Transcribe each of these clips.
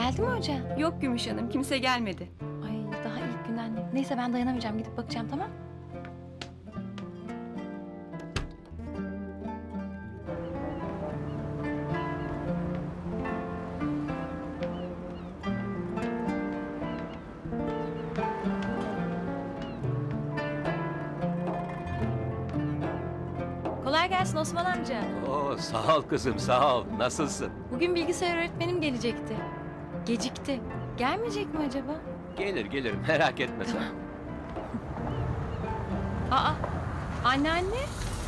Geldi mi hoca? Yok Gümüş Hanım, kimse gelmedi. Ay daha ilk günden. Neyse ben dayanamayacağım, gidip bakacağım, tamam? Kolay gelsin Osman amca. Oo, sağ ol kızım, sağ ol. Nasılsın? Bugün bilgisayar öğretmenim gelecekti. Gecikti. Gelmeyecek mi acaba? Gelir, merak etme sen. Aa, anneanne.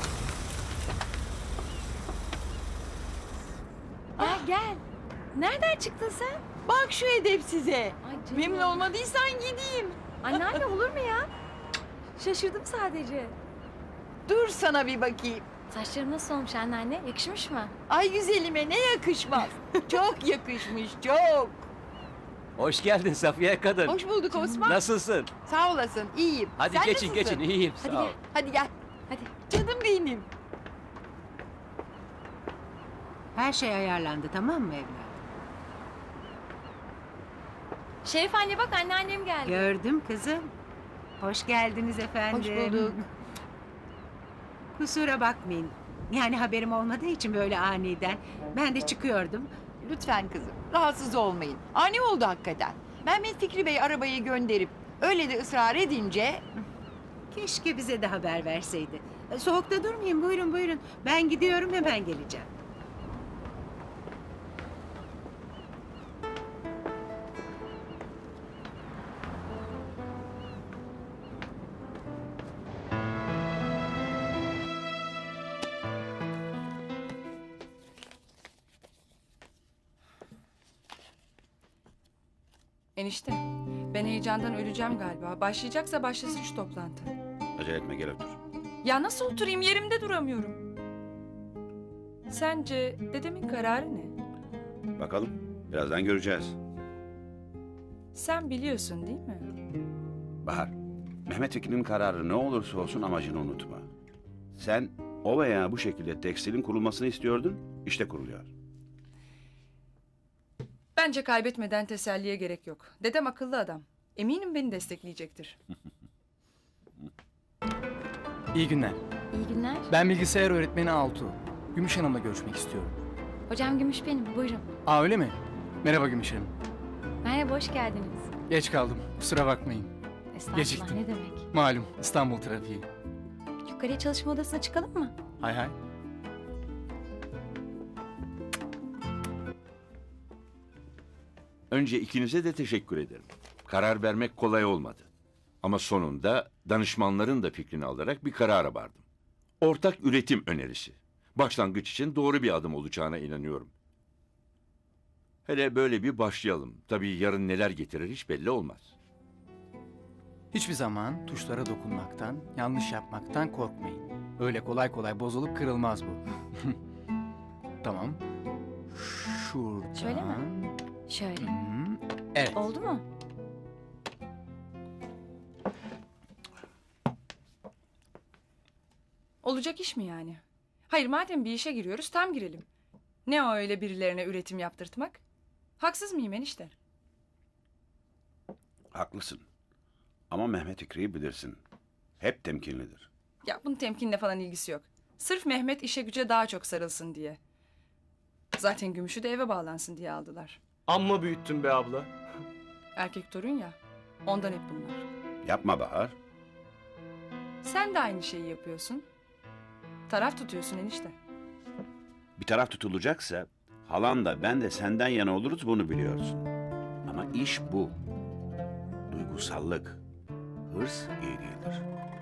Gel. Nereden çıktın sen? Bak şu edep size. Ay canım. Memnun olmadıysan gideyim. Anneanne olur mu ya? Şaşırdım sadece. Dur sana bir bakayım. Saçlarım nasıl olmuş anneanne? Yakışmış mı? Ay güzelime ne yakışmaz. Çok yakışmış, çok. Hoş geldin Safiye kadın. Hoş bulduk Osman. Nasılsın? Sağ olasın, iyiyim. Hadi Sen geçin, nasılsın? iyiyim, Hadi sağ ol. gel. Hadi gel. Hadi. Canım benim. Her şey ayarlandı, tamam mı evladım? Şerif anne bak anneannem geldi. Gördüm kızım. Hoş geldiniz efendim. Hoş bulduk. Kusura bakmayın. Yani haberim olmadığı için böyle aniden. Ben de çıkıyordum. Lütfen kızım, rahatsız olmayın. Ani oldu hakikaten. Mehmet Fikri Bey arabayı gönderip öyle de ısrar edince... Keşke bize de haber verseydi. Soğukta durmayın, buyurun buyurun. Ben gidiyorum, hemen geleceğim. Enişte, ben heyecandan öleceğim galiba. Başlayacaksa başlasın şu toplantı. Acele etme, gel otur. Ya nasıl oturayım, yerimde duramıyorum. Sence dedemin kararı ne? Bakalım, birazdan göreceğiz. Sen biliyorsun değil mi? Bahar, Mehmet Ekin'in kararı ne olursa olsun amacını unutma. Sen o veya bu şekilde tekstilin kurulmasını istiyordun, işte kuruluyor. Bence kaybetmeden teselliye gerek yok. Dedem akıllı adam. Eminim beni destekleyecektir. İyi günler. İyi günler. Ben bilgisayar öğretmeni Altuğ. Gümüş Hanım'la görüşmek istiyorum. Hocam Gümüş benim, buyurun. Aa öyle mi? Merhaba Gümüş Hanım. Merhaba, hoş geldiniz. Geç kaldım. Kusura bakmayın. Estağfurullah, Geciktim. ne demek. Malum İstanbul trafiği. Yukarıya çalışma odasına çıkalım mı? Hay hay. Önce ikinize de teşekkür ederim. Karar vermek kolay olmadı. Ama sonunda danışmanların da fikrini alarak bir karara vardım. Ortak üretim önerisi. Başlangıç için doğru bir adım olacağına inanıyorum. Hele böyle bir başlayalım. Tabii yarın neler getirir hiç belli olmaz. Hiçbir zaman tuşlara dokunmaktan, yanlış yapmaktan korkmayın. Öyle kolay kolay bozulup kırılmaz bu. Tamam. Şuradan. Şöyle mi? Şöyle. Evet. Oldu mu? Olacak iş mi yani? Hayır, madem bir işe giriyoruz tam girelim. Ne o öyle birilerine üretim yaptırtmak? Haksız mıyım enişte? Haklısın. Ama Mehmet Fikri'yi bilirsin. Hep temkinlidir. Ya bunun temkinle falan ilgisi yok. Sırf Mehmet işe güce daha çok sarılsın diye. Zaten Gümüş'ü de eve bağlansın diye aldılar. Amma büyüttün be abla. Erkek torun ya. Ondan hep bunlar. Yapma Bahar. Sen de aynı şeyi yapıyorsun. Taraf tutuyorsun enişte. Bir taraf tutulacaksa halan da ben de senden yana oluruz, bunu biliyorsun. Ama iş bu. Duygusallık, hırs iyi değildir.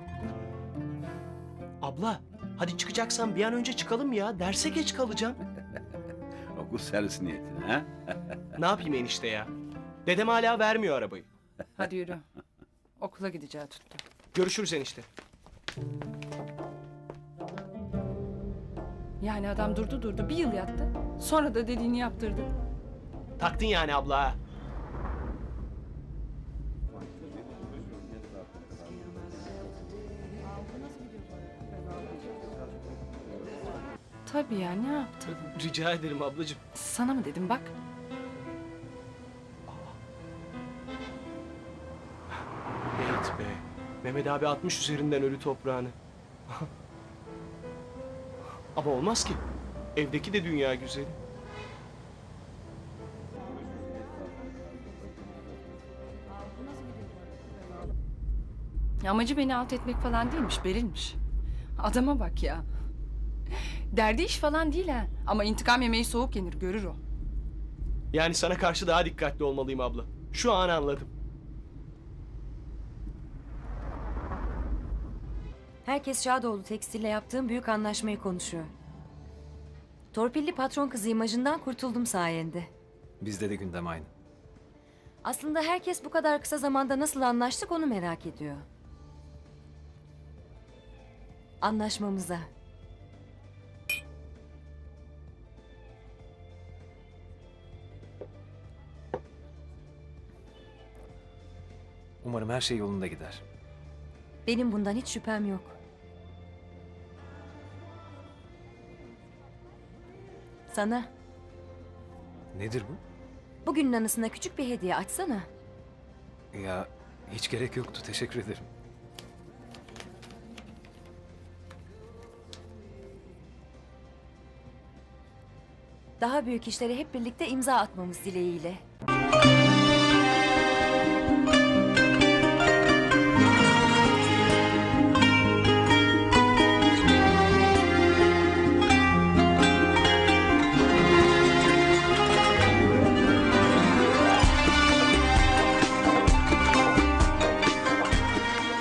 Abla hadi çıkacaksan bir an önce çıkalım ya. Derse geç kalacağım. Okul servis niyetine ha? Ne yapayım enişte ya? Dedem hala vermiyor arabayı. Hadi yürü. Okula gideceği tuttu. Görüşürüz enişte. Yani adam durdu bir yıl yattı. Sonra da dediğini yaptırdı. Taktın yani abla ha. Tabii ya, ne yaptı? Rica ederim ablacığım. Sana mı dedim bak. Mehmet abi atmış üzerinden ölü toprağını. Ama olmaz ki. Evdeki de dünya güzeli. Amacı beni alt etmek falan değilmiş, Beril'miş. Adama bak ya. Derdi iş falan değil ha. Ama intikam yemeği soğuk yenir, görür o. Yani sana karşı daha dikkatli olmalıyım abla. Şu an anladım. Herkes Şadoğlu Tekstil'le yaptığım büyük anlaşmayı konuşuyor. Torpilli patron kızı imajından kurtuldum sayende. Bizde de gündem aynı. Aslında herkes bu kadar kısa zamanda nasıl anlaştık onu merak ediyor. Anlaşmamıza. Umarım her şey yolunda gider. Benim bundan hiç şüphem yok. Sana Nedir bu? bugünün anısına küçük bir hediye açsana. Ya hiç gerek yoktu. Teşekkür ederim. Daha büyük işlere hep birlikte imza atmamız dileğiyle.